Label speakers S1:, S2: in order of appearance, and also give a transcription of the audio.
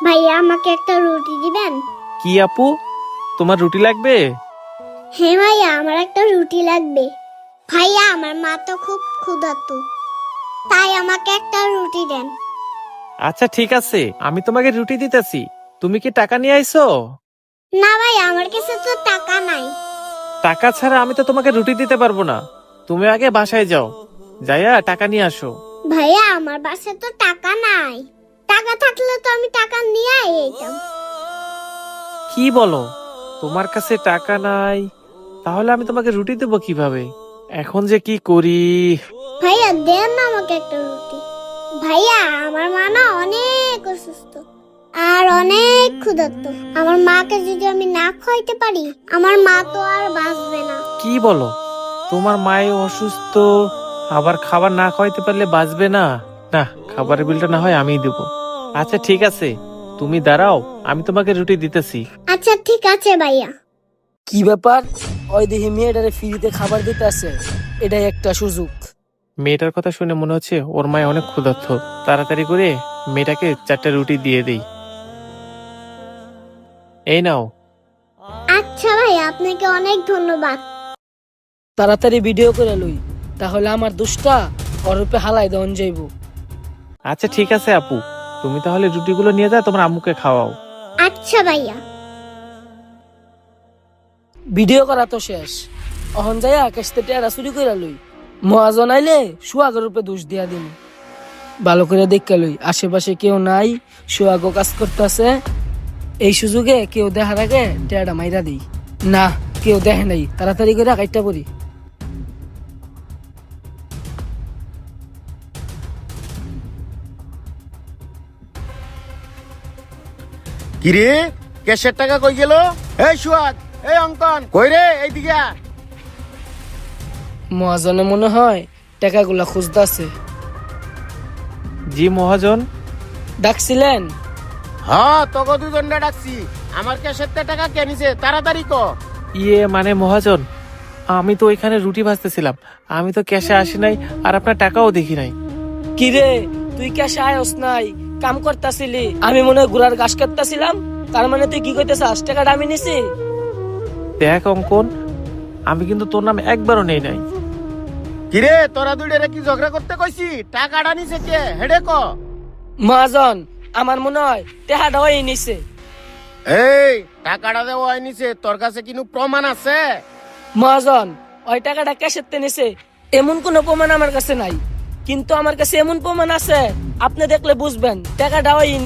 S1: ভাইয়া আমাকে একটা রুটি দিবেন?
S2: কি আপু, তোমার রুটি লাগবে?
S1: হ্যাঁ ভাইয়া, আমার একটা রুটি লাগবে। ভাইয়া আমার মা তো খুব ক্ষুধার্ত, তাই আমাকে একটা রুটি দেন।
S2: আচ্ছা ঠিক আছে, আমি তোমাকে রুটি দিতেছি। তুমি কি টাকা নিয়ে আইছো?
S1: না ভাইয়া, আমার কাছে তো টাকা নাই।
S2: টাকা ছাড়া আমি তো তোমাকে রুটি দিতে পারবো না। তুমি আগে বাসায় যাও, যাইয়া টাকা নিয়ে আসো।
S1: ভাইয়া আমার বাসায় তো টাকা নাই। টাকা থাকলে তো আমি টাকা নিয়ে আইতাম।
S2: কি বলো, তোমার কাছে টাকা নাই? তাহলে আমি তোমাকে রুটি দেবো কিভাবে? এখন যে কি করি।
S1: ভাইয়া দেন না আমাকে একটা রুটি। ভাইয়া আমার মা না অনেক অসুস্থ আর অনেক ক্ষুধার্ত। আমার মাকে যদি আমি না খাইতে পারি, আমার মা তো আর বাঁচবে না।
S2: কি বলো, তোমার মায়ে অসুস্থ, আবার খাবার না খাওয়াইতে পারলে বাঁচবে না? না, খাবারের বিলটা না হয় আমিই দেবো। আচ্ছা ঠিক আছে, তুমি দাঁড়াও, আমি তোমাকে রুটি দিতেছি।
S1: আচ্ছা ঠিক আছে ভাইয়া।
S3: কি ব্যাপার? ওই দেখি মেয়েটারে ফ্রিতে খাবার দিতে আছে, এটাই একটা সুযোগ।
S2: মেয়েটার কথা শুনে মনে হচ্ছে ওর মায়ে অনেক ক্ষুধার্ত। তাড়াতাড়ি করে মেয়েটাকে 4টা রুটি দিয়ে দেই। এই নাও।
S1: আচ্ছা ভাইয়া, আপনাকে অনেক ধন্যবাদ।
S3: তাড়াতাড়ি ভিডিও করে লই, তাহলে আমার দুষ্টা ওর রূপে হালাই দেওয়ান যাইব।
S2: আচ্ছা ঠিক আছে আপু, তুমি তাহলে রুটিগুলো নিয়ে যাও, তোমার আম্মুকে খাওয়াও।
S1: আচ্ছা ভাইয়া।
S3: ভিডিও করা তো শেষ, অহন যাইয়া কেসতে টেরা চুরি করে লই। মহাজন আইলে সুয়াগের রূপে দোষ দিয়া দিন। ভালো করে দেখে লই আশেপাশে কেউ নাই, সুয়াগ কাজ করতেছে। এই সুযোগে কেউ দেখার আগে টেরাটা মাইরা দিই। না, কেউ দেখে নাই, তাড়াতাড়ি করে কাইটটা পড়ি।
S4: কিরে, ক্যাশের টাকা কই গেল? এই সুয়াদ, এই অঙ্কন কই রে? এইদিকে আ।
S3: মহাজনে মনে হয় টাকাগুলা খুঁজতেছে।
S2: জি মহাজন।
S3: ডাকছিলেন?
S4: হ্যাঁ, তোকে দুজনটা ডাকছি। আমার ক্যাশের টাকা কে নিছে? তাড়াতাড়ি ক।
S2: ইয়ে মানে মহাজন, আমি তো ওইখানে রুটি ভাজতেছিলাম, আমি তো ক্যাশে আসি নাই, আর আপনার টাকাও দেখি নাই।
S3: কিরে, তুই ক্যাশে আয়স নাই, কাম করতাছিলি? আমি মনে হয় ঘোড়ার ঘাস কাটতাছিলাম। তার মানে তুই কি কইতেছিস টাকাটা আমি নিছি?
S2: দেখ অঙ্কন, আমি কিন্তু তোর নাম একবারও নেই নাই।
S4: কিরে, তোরা দুইটারে কি ঝগড়া করতে কইছি? টাকাটা নিছে কে? হেডে ক।
S3: মহাজন, আমার মনে হয় টাকাটা ওই নিছে।
S4: এই টাকাটা দেওয়া নিছে, তোর কাছে কিনু প্রমাণ আছে?
S3: মহাজন, ওই টাকাটা ক্যাশের নিছে এমন কোনো প্রমাণ আমার কাছে নাই, কিন্তু আমার কাছে এমন প্রমাণ আছে, আপনি দেখলে বুঝবেন টাকাটা ওই